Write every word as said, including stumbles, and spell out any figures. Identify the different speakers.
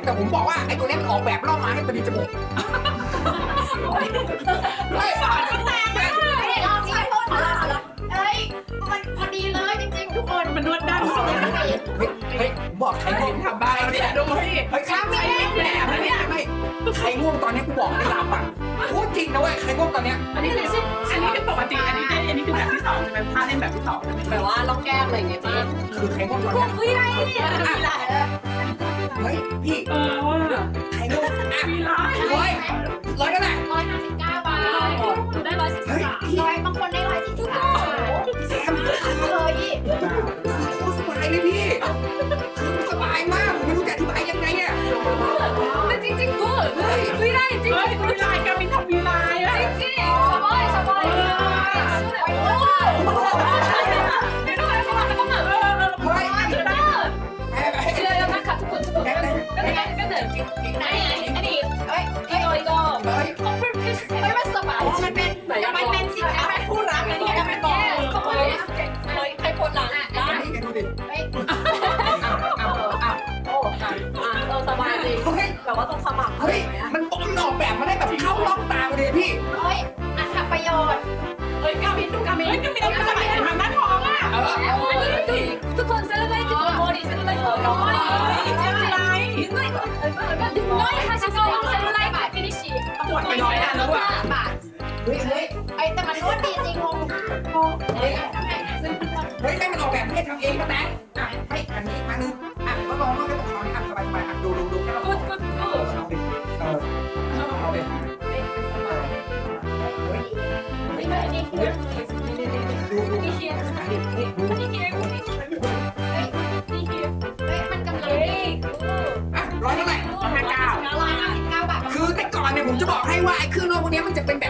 Speaker 1: แต่ผมบอกว่าไอ้ตัวนี้มันออกแบบล่อมาให้พอดีจมูกไม่ฝาดมันแตกเลย
Speaker 2: ลองใช้โทษมาแล้วเอ้ยมันพอดีเลยจริงๆทุกคนมันนวดด้านของ
Speaker 1: เฮ้ยเฮ้ยผมบอกใครง่วง
Speaker 3: ทำบ้านเนี่ยดูสิ
Speaker 1: เฮ้ยใครแหนมเนี่ยไม่ใครง่วงตอนนี้กูบอกไม่หลับอ่ะพูดจริงนะเว้ยใครง่วงตอนเนี้ย
Speaker 3: อันนี้คืออันนี้คือปกติอันนี้อันนี้คือแบบที่สองใช่ไหมท่าเล่นแบบที่สองใช่ไหม
Speaker 2: แบบว่าลองแก้มอะไรอย่างเงี้ยพี่
Speaker 1: คือใครง่วงตอน
Speaker 2: ก
Speaker 1: เนี้ย
Speaker 2: คุยอะไรเนี่ยมีหลาย
Speaker 1: เฮ้ยพี่
Speaker 3: เออว่า
Speaker 1: ใครง่วงอ่ะ
Speaker 3: มีร้าย
Speaker 1: ร้อยร้อยก็ได้
Speaker 2: ร้อยห้าสิบเก้าบาทหนูได้ร้อยสี่สิบสามร้อยบางคนได้ร้อยสี่สิบสาม
Speaker 1: แซมคือ
Speaker 2: เลย
Speaker 1: โคตรสบายเลยพี่คือสบายมากผมไม่รู้จะอธิบายยังไงอ่ะ
Speaker 2: แต่จริงๆกูคุยได้จริง
Speaker 3: เฮ้ยมีลายการบินทำมีลายอ่ะ
Speaker 2: จริงสบายสบายโอ้โหไม่ต้องอะไรเข้ามาต้องเหนื่อย
Speaker 1: เฮ้ย
Speaker 2: เชื่อแล้วนะคะทุกคนทุกคนก็เลยก็เลยก็เลยไหนอันนี้เอ้ยอีโกอีโก
Speaker 1: เฮ้ย
Speaker 2: ของเพื่อนเพื่อนไม่มันสบายมันเป็นมันเป็นสินค้าเป็นผู้รักอันนี้ก็เป็นบอกเขาบอกเฮ้ยใครปวดหลังอ่ะ
Speaker 1: อันนี้กันดูดิ
Speaker 2: เฮ้ย
Speaker 1: เอาเอาเอา
Speaker 2: โอ้อ่ะเออสบายจริง
Speaker 1: เฮ้ย
Speaker 2: แบบว่าต้องสมัคร
Speaker 1: เฮ้ยมันป้อมออกแบบมาได้แบบเข้าล็อกตาเลยพี่
Speaker 2: เฮ้ยอันทำประโยชน์
Speaker 3: เฮ้ยการบินดูการบินเฮ้ยการบินเอาการบินทำหน้าท้องอ่ะ
Speaker 1: เออ
Speaker 2: ทุกคนเซเลบรตที่ตัวโมดีเซเลบรตของน้อง
Speaker 3: เจ็บอะไร
Speaker 2: ดึงหน่อยดึงหน่อยค่ะชิโซ่เซเลบรตบาทฟินิชชี่
Speaker 3: ปวดไปน้อยนะแล้วอ่ะ
Speaker 2: บาท
Speaker 1: เฮ้ยเฮ้ย
Speaker 2: ไอ้แต่มันนวดดีจริงงงเฮ้ยทำไมซึ่ง
Speaker 1: เฮ้ยแม่มันออกแบบให้ทำเองมาแต่อ่ะให้อันนี้มานึงอ่ะก็ลองก็ได้ของเขาเนี่ยอ่ะสบายสบายอ่ะดูดูดูแค่เรา
Speaker 2: กูกูกู
Speaker 1: เอาดิเออเอาดิ
Speaker 2: เฮ้ยสบายเฮ้ยนี่นี่นี่
Speaker 1: ดูดู
Speaker 2: นี่เฮีย
Speaker 1: อันนี้นี่ดู
Speaker 2: นี่เฮียเฮ้ยนี่เฮียเฮ้ยมันกำลังดี
Speaker 1: อ่ะร้อยเท่าไหร่
Speaker 2: ร้อยห้าสิบเก้าบาท
Speaker 1: คือแต่ก่อนเนี่ยผมจะบอกให้ว่าไอ้เครื่องนอกพวกนี้มันจะเป็นแบบ